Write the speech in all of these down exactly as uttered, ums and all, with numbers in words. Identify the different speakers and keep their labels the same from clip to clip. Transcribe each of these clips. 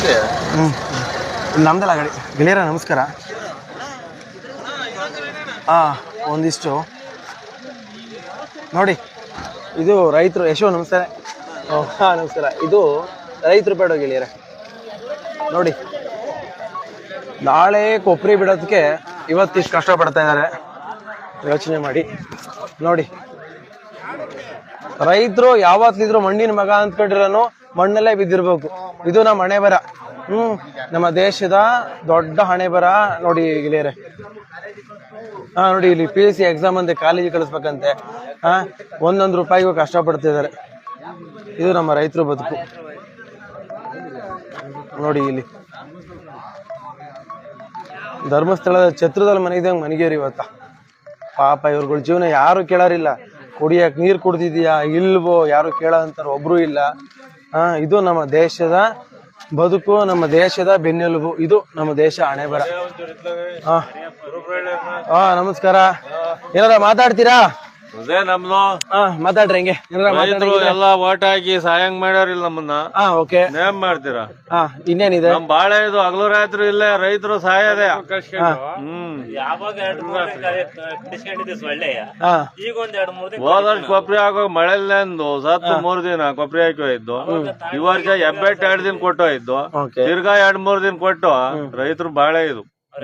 Speaker 1: ಹ್ಞೂ ನಮ್ದಲ್ಲ ಗಾಡಿ ಗೆಳೆಯರ ನಮಸ್ಕಾರ. ಹಾಂ ಒಂದಿಷ್ಟು ನೋಡಿ, ಇದು ರೈತರು ಯಶೋ ನಮಸ್ಕಾರ. ಹಾಂ ನಮಸ್ಕಾರ. ಇದು ರೈತರು ಬೇಡ ಗೆಳೆಯರ ನೋಡಿ, ನಾಳೆ ಕೊಬ್ಬರಿ ಬಿಡೋದಕ್ಕೆ ಇವತ್ತಿಷ್ಟು ಕಷ್ಟಪಡ್ತಾ ಇದ್ದಾರೆ. ಯೋಚನೆ ಮಾಡಿ ನೋಡಿ, ರೈತರು ಯಾವತ್ತಿದ್ರು ಮಣ್ಣಿನ ಮಗ ಅಂದ್ಕೊಂಡಿರೋನು ಮಣ್ಣಲ್ಲೇ ಬಿದ್ದಿರ್ಬೇಕು. ಇದು ನಮ್ಮ ಹಣೆ ಬರ. ಹ್ಮ್ ನಮ್ಮ ದೇಶದ ದೊಡ್ಡ ಹಣೆ ಬರ ನೋಡಿ ಗೆಳೆಯರೆ. ಹಾ ನೋಡಿ, ಇಲ್ಲಿ ಪಿ ಎಸ್ ಸಿ ಎಕ್ಸಾಮ್ ಅಂತೆ ಕಾಲೇಜಿಗೆ ಕಳಿಸ್ಬೇಕಂತೆ. ಹಾ ಒಂದೊಂದು ರೂಪಾಯಿಗೂ ಕಷ್ಟಪಡ್ತಿದ್ದಾರೆ. ಇದು ನಮ್ಮ ರೈತರು ಬದುಕು ನೋಡಿ. ಇಲ್ಲಿ ಧರ್ಮಸ್ಥಳದ ಛತ್ರದಲ್ಲಿ ಮನೆಗಿದಂಗೆ ಮನೆಗೇರಿ ಇವತ್ತ. ಪಾಪ ಇವ್ರುಗಳ ಜೀವನ ಯಾರು ಕೇಳೋರಿಲ್ಲ. ಕುಡಿಯಕ್ ನೀರು ಕುಡ್ದಿದ್ಯಾ ಇಲ್ವೋ ಯಾರು ಕೇಳೋ ಅಂತಾರ ಒಬ್ರು ಇಲ್ಲ. ಹಾ ಇದು ನಮ್ಮ ದೇಶದ ಬದುಕು, ನಮ್ಮ ದೇಶದ ಬೆನ್ನೆಲುಬು. ಇದು ನಮ್ಮ ದೇಶ ಹಣೆ ಬರ. ಹಾ ಹಾ ನಮಸ್ಕಾರ. ಏನಾರ ಮಾತಾಡ್ತೀರಾ?
Speaker 2: ಅದೇ ನಮ್ದು
Speaker 1: ಹಾ ಮಾತಾಡ್ರಿ. ಹೆಂಗೆ
Speaker 2: ಎಲ್ಲ ಓಟ್ ಹಾಕಿ ಸಹಾಯಂಗ್ ಮಾಡ್ಯಾರಿಲ್ಲ ನಮ್ಮನ್ನ.
Speaker 1: ಹಾ ಓಕೆ.
Speaker 2: ನೇಮ್ ಮಾಡ್ತೀರಾ?
Speaker 1: ಹಾ ಇನ್ನೇನಿದೆ?
Speaker 2: ನಮ್ ಬಾಳೆ ಇದು ಹಗಲು ರಾತ್ರಿ ಇಲ್ಲೇ ರೈತರು ಸಹಾಯದೆ. ಹ್ಮ್ ಹೋದಷ್ಟು ಕೊಬ್ಬರಿ ಹಾಕೋ ಮಳೆಲ್ಲಂದು ಸತ್ತು ಮೂರ್ ದಿನ ಕೊಬ್ಬರಿ ಹಾಕಿ ಹೋಯ್ತು. ಈ ವರ್ಷ ಎಬ್ಬೆಟ್ ಎರಡ್ ದಿನ ಕೊಟ್ಟು ಹೋಯ್ತು. ತಿರ್ಗಾ ಎರಡ್ ಮೂರ್ ದಿನ ಕೊಟ್ಟು ರೈತರು ಬಾಳೆ ಇದು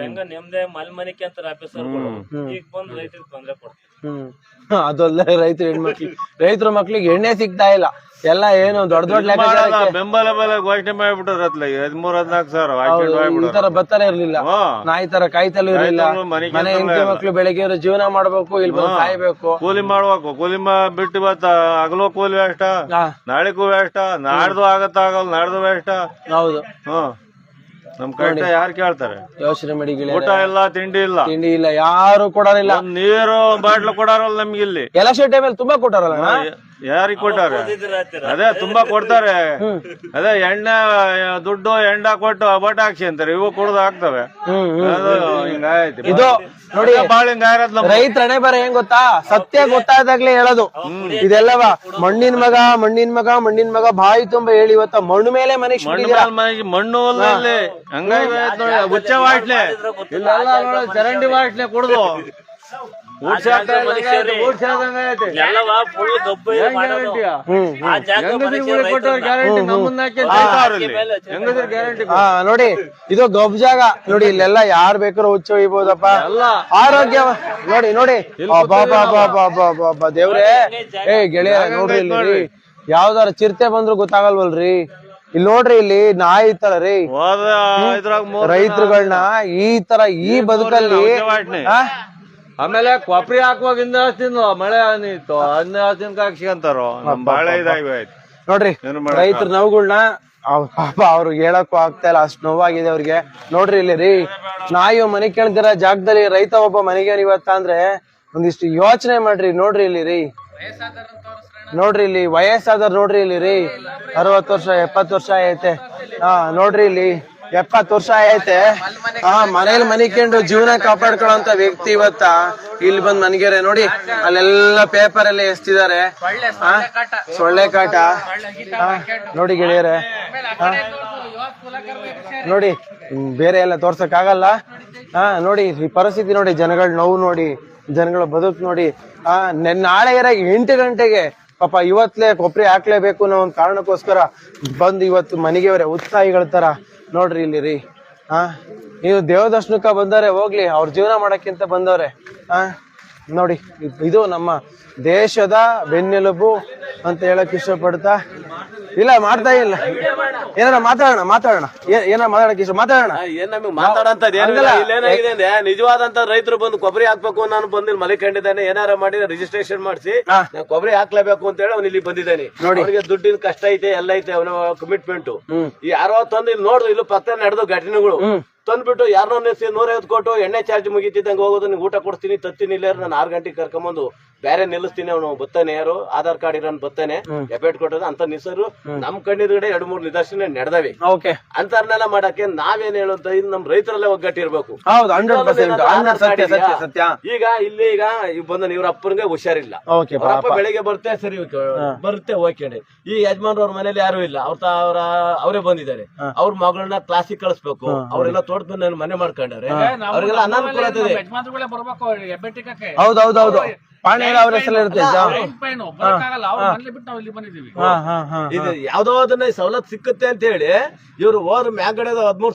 Speaker 1: ಅದೊಲ್ಲ. ರೈತರು ಹೆಣ್ಮಕ್ಳಿಗೆ ರೈತರ ಮಕ್ಳಿಗೆ ಎಣ್ಣೆ ಸಿಗ್ತಾ ಇಲ್ಲ. ಎಲ್ಲ ಏನು ದೊಡ್ಡ ದೊಡ್ಡ
Speaker 2: ಬೆಂಬಲ ಬೆಲೆ ಘೋಷಣೆ ಮಾಡ್ಬಿಟ್ರತ್ಲ ಹದಿಮೂರ್ ಹದಿನಾಲ್ಕು ಸಾವಿರ.
Speaker 1: ಈ ತರ ಬತ್ತನೇ ಇರ್ಲಿಲ್ಲ. ನಾಯಿ ತರ ಕಾಯ್ತಲೂ ಇರ್ಲಿಲ್ಲ. ಮನೆ ಹೆಂಡತಿ ಮಕ್ಳು ಬೆಳಿಗ್ಗೆ ಜೀವನ ಮಾಡ್ಬೇಕು, ಇಲ್ಲಿ ಬಂದು ಕಾಯ್ಬೇಕು,
Speaker 2: ಕೂಲಿ ಮಾಡ್ಬೇಕು. ಕೂಲಿ ಬಿಟ್ಟು ಇವತ್ತ ಹಗಲು ಕೂಲಿ ವೇಷ್ಟ, ನಾಳೆಗೂ ವೇಷ್ಟ, ನಾಡ್ದು ಆಗತ್ತ ಆಗಲ್ಲ, ನಾಡ್ದು ವೇಷ್ಟ.
Speaker 1: ಹೌದು.
Speaker 2: ಹ್ಮ್ ನಮ್ ಕಷ್ಟ ಯಾರು ಕೇಳ್ತಾರೆ?
Speaker 1: ಯೋಚನೆ ಮಾಡಿ.
Speaker 2: ಊಟ ಇಲ್ಲ, ತಿಂಡಿ ಇಲ್ಲ,
Speaker 1: ತಿಂಡಿ ಇಲ್ಲ, ಯಾರು ಕೊಡೋರಿಲ್ಲ.
Speaker 2: ನೀರು ಬಾಟ್ಲು ಕೊಡಾರಲ್ಲ ನಮ್ಗೆ ಇಲ್ಲಿ.
Speaker 1: ಎಲೆಕ್ಷನ್ ಟೈಮಲ್ಲಿ ತುಂಬಾ ಕೊಟ್ಟಾರಲ್ಲ.
Speaker 2: ಯಾರಿಗ್ ಕೊಟ್ಟಾರೆ? ಅದೇ ತುಂಬಾ ಕೊಡ್ತಾರೆ. ಅದೇ ಎಣ್ಣೆ ದುಡ್ಡು ಎಂಡ ಕೊಟ್ಟು ಬಟ್ ಹಾಕ್ಸಿ ಅಂತಾರೆ. ಇವು ಕುಡ್ದು ಹಾಕ್ತವೆ. ಹಿಂಗಾಯ್ತು
Speaker 1: ಇದು ನೋಡಿ.
Speaker 2: ಬಾಳ ಹಿಂಗಾಯ್ತು.
Speaker 1: ರೈತ ಹಣೆ ಬರ ಹೆಂಗ್ ಗೊತ್ತಾ? ಸತ್ಯ ಗೊತ್ತಾದಾಗ್ಲೇ ಹೇಳೋದು ಇದೆಲ್ಲವ. ಮಣ್ಣಿನ ಮಗ ಮಣ್ಣಿನ ಮಗ ಮಣ್ಣಿನ ಮಗ ಬಾಯಿ ತುಂಬಾ ಹೇಳಿ ಇವತ್ತ ಮಣ್ಣು ಮೇಲೆ ಮನೆಗೆ
Speaker 2: ಮನೆಗೆ ಮಣ್ಣು ಇಲ್ಲಿ ಹಂಗಾಗಿ ನೋಡಿ. ಹುಚ್ಚ ಬಾಟ್ಲೆ ಇಲ್ಲೆಲ್ಲ ನೋಡಿ, ಚರಂಡಿ ಬಾಟ್ಲೆ ಕುಡ್ದು
Speaker 1: ನೋಡಿ. ಇದು ಗಬ್ ಜಾಗ ನೋಡಿ. ಇಲ್ಲೆಲ್ಲ ಯಾರು ಬೇಕಾದ್ರೂ ಹುಚ್ಚ ಒಯ್ಬೋದಪ್ಪ. ಆರೋಗ್ಯ ನೋಡಿ ನೋಡಿ. ದೇವ್ರೇ ಏ ಗೆಳೆಯ ನೋಡ್ರಿ ಇಲ್ಲಿ ಯಾವ್ದಾರ ಚಿರತೆ ಬಂದ್ರು ಗೊತ್ತಾಗಲ್ವಲ್ರಿ. ಇಲ್ಲಿ ನೋಡ್ರಿ, ಇಲ್ಲಿ ನಾಯಿ ಇತ್ತಲ್ಲ ರೀ ರೈತರುಗಳನ್ನ ಈ ತರ ಈ ಬದುಕಲ್ಲಿ.
Speaker 2: ಆಮೇಲೆ ಕೊಬ್ಬರಿ ಹಾಕುವಾಗಿಂದ ತಿನ್ನು ಮಳೆ ಹನಿತ್ತು ಹನ್ನೆ ಹಸಿನ ಹಾಕ್ಸಿಕಂತಾರೋ. ನಮ್ ಬಾಳೆ ಇದಾಯ್ತು
Speaker 1: ನೋಡ್ರಿ. ರೈತರ ನೋವುಗಳನ್ನ ಪಾಪ ಅವ್ರಿಗೆ ಹೇಳಕ್ಕೂ ಆಗ್ತಾ ಇಲ್ಲ, ಅಷ್ಟ್ ನೋವಾಗಿದೆ ಅವ್ರಿಗೆ. ನೋಡ್ರಿ ಇಲ್ಲಿ ರೀ, ನಾಯಿ ಮನೆ ಕೇಳ್ತಿರ ಜಾಗದಲ್ಲಿ ರೈತ ಒಬ್ಬ ಮನೆಗೆ ಇವತ್ತ ಅಂದ್ರೆ ಒಂದಿಷ್ಟು ಯೋಚನೆ ಮಾಡ್ರಿ. ನೋಡ್ರಿ ಇಲ್ಲಿ ರೀ, ನೋಡ್ರಿ ಇಲ್ಲಿ ವಯಸ್ಸಾದವ್ರು ನೋಡ್ರಿ ಇಲ್ಲಿ ರೀ. ಅರವತ್ತು ವರ್ಷ ಎಪ್ಪತ್ತು ವರ್ಷ ಐತೆ. ಹಾ ನೋಡ್ರಿ ಇಲ್ಲಿ ಎಪ್ಪತ್ತು ವರ್ಷ ಐತೆ. ಹಾ ಮನೇಲಿ ಮನಿಕೊಂಡು ಜೀವನ ಕಾಪಾಡ್ಕೊಳ್ಳೋಂತ ವ್ಯಕ್ತಿ ಇವತ್ತ ಇಲ್ಲಿ ಬಂದ್ ಮನ್ಗೆರೆ ನೋಡಿ. ಅಲ್ಲೆಲ್ಲ ಪೇಪರ್ ಎಲ್ಲ ಎಸ್ತಿದ್ದಾರೆ. ಸೊಳ್ಳೆ ಕಾಟ ನೋಡಿ ಗೆಳೆಯರೆ. ನೋಡಿ ಬೇರೆ ಎಲ್ಲ ತೋರ್ಸಕ್ ಆಗಲ್ಲ. ಹಾ ನೋಡಿ ಈ ಪರಿಸ್ಥಿತಿ ನೋಡಿ, ಜನಗಳ ನೋವು ನೋಡಿ, ಜನಗಳ ಬದುಕು ನೋಡಿ. ಆ ನಾಳೆ ಎಂಟು ಗಂಟೆಗೆ ಪಾಪ ಇವತ್ಲೇ ಕೊಬ್ಬರಿ ಹಾಕ್ಲೇಬೇಕು ಅನ್ನೋ ಒಂದ್ ಕಾರಣಕ್ಕೋಸ್ಕರ ಬಂದು ಇವತ್ತು ಮನೆಗೆವ್ರೆ ಉತ್ಸಾಹಿಗಳ ತರ ನೋಡ್ರಿ ಇಲ್ಲಿ ರೀ. ಹಾ ನೀವು ದೇವದರ್ಶನಕ್ಕ ಬಂದವ್ರೆ ಹೋಗ್ಲಿ, ಅವ್ರ ಜೀವನ ಮಾಡಕ್ಕಿಂತ ಬಂದವ್ರೆ. ಹಾ ನೋಡಿ, ಇದು ನಮ್ಮ ದೇಶದ ಬೆನ್ನೆಲುಬು ಅಂತ ಹೇಳಕ್ ಇಷ್ಟಪಡ್ತಾ ಇಲ್ಲ ಮಾಡ್ತಾ ಇಲ್ಲ. ಏನಾರ ಮಾತಾಡೋಣ ಮಾತಾಡೋಣ ಏನಾರ ಮಾತಾಡಕ್ ಇಷ್ಟ ಮಾತಾಡೋಣ.
Speaker 3: ಏನ್ ನಮಗೆ ಮಾತಾಡಂತದ್ ಏನಾಗಿದೆ ಅಂದ್ರೆ ನಿಜವಾದಂತ ರೈತರು ಬಂದು ಕೊಬ್ಬರಿ ಹಾಕ್ಬೇಕು ನಾನು ಬಂದಿಲ್ಲಿ ಮನೆ ಕಂಡಿದ್ದಾನೆ. ಏನಾರ ಮಾಡಿ ರಿಜಿಸ್ಟ್ರೇಷನ್ ಮಾಡಿಸಿ ಕೊಬ್ಬರಿ ಹಾಕ್ಲೇಬೇಕು ಅಂತ ಹೇಳಿ ಅವ್ನು ಇಲ್ಲಿ ಬಂದಿದ್ದಾನೆ. ಅವನಿಗೆ ದುಡ್ಡಿನ ಕಷ್ಟ ಐತೆ, ಎಲ್ಲ ಐತೆ, ಅವನ ಕಮಿಟ್ಮೆಂಟ್. ಯಾರೋ ತಂದು ಇಲ್ಲಿ ನೋಡ್ದು ಇಲ್ಲಿ ಪಕ್ಕ ನಡೆದು ಘಟನೆಗಳು ತಂದ್ಬಿಟ್ಟು ಯಾರನ್ನೋ ನೂರೈವತ್ತು ಕೊಟ್ಟು ಎಣ್ಣೆ ಚಾರ್ಜ್ ಮುಗಿತಿದ್ದಂಗೆ ಹೋಗೋದು, ನಿಂಗೆ ಊಟ ಕೊಡ್ತೀನಿ ತತ್ತೀನಿ ಇಲ್ಲ ನಾನು ಆರು ಗಂಟೆಗೆ ಕರ್ಕೊಂಬಂದು ಬೇರೆ ನಿಲ್ಲಿಸ್ತೀನಿ ಅವನು ಬತ್ತಾನೆ ಯಾರು ಆಧಾರ್ ಕಾರ್ಡ್ ಇರೋನ್ ಬತ್ತಾನೆ ಎಫೆಟ್ ಕೊಟ್ಟದ ಅಂತ ನಿಸರು ನಮ್ ಕಣ್ಣಿದ್ಗಡೆ ಎರಡ್ ಮೂರ್ ನಿದರ್ಶನ ನಡೆದವೆ
Speaker 1: ಓಕೆ
Speaker 3: ಅಂತರ್ನೆಲ್ಲ ಮಾಡಕ್ಕೆ ನಾವೇನ್ ಹೇಳುತ್ತ ಇದು ನಮ್ ರೈತರಲ್ಲೇ ಒಗ್ಗಟ್ಟಿರ್ಬೇಕು.
Speaker 1: ಹೌದು ಹಂಡ್ರೆಡ್ ಪರ್ಸೆಂಟ್ ಹಂಡ್ರೆಡ್ ಸತ್ಯ ಸತ್ಯ ಸತ್ಯ
Speaker 3: ಈಗ ಇಲ್ಲಿ ಈಗ ಇವ್ ಬಂದ ಇವ್ರ ಅಪ್ಪನಿಗೆ ಹುಷಾರಿಲ್ಲ,
Speaker 1: ಓಕೆ
Speaker 3: ಅವ್ರ ಅಪ್ಪ ಬೆಳಿಗ್ಗೆ ಬರ್ತೆ ಸರಿ ಬರುತ್ತೆ ಓಕೆ. ಈ ಯಜಮಾನ್ರ ಅವ್ರ ಮನೇಲಿ ಯಾರು ಇಲ್ಲ, ಅವ್ರ ಅವ್ರ ಅವರೇ ಬಂದಿದ್ದಾರೆ. ಅವ್ರ ಮಗಳನ್ನ ಕ್ಲಾಸಿಗೆ ಕಳಿಸ್ಬೇಕು, ಅವ್ರೆಲ್ಲ ತೋಟದ ಮನೆ ಮಾಡ್ಕೊಂಡವ್ರೆ, ಅವ್ರಿಗೆಲ್ಲ ಅನಾನುಕೂಲತೆ ಇದೆ.
Speaker 4: ಯಜಮಾನ್ರುಗಳೇ ಬರ್ಬೇಕು ಎಬ್ಬೆಟ್ಟಿಕಕ್ಕೆ.
Speaker 1: ಹೌದು ಹೌದು ಹೌದು ಪಾಣಿ ಅವ್ರ ಹೆಸರು ಇರುತ್ತೆ
Speaker 4: ಪೈನು ಬರಕ್ಕಾಗಲ್ಲ, ಅವ್ರ ಮನೇಲಿ ಬಿಟ್ಟು ನಾವು ಇಲ್ಲಿ ಬಂದಿದ್ದೀವಿ.
Speaker 3: ಇದು ಯಾವ್ದೋ ಅದನ್ನ ಸವಲತ್ತು ಸಿಕ್ಕುತ್ತೆ ಅಂತ ಹೇಳಿ ಇವ್ರು ಹೋದ್ರ ಮ್ಯಾಗಡೆ ಹದ್ಮೂರ್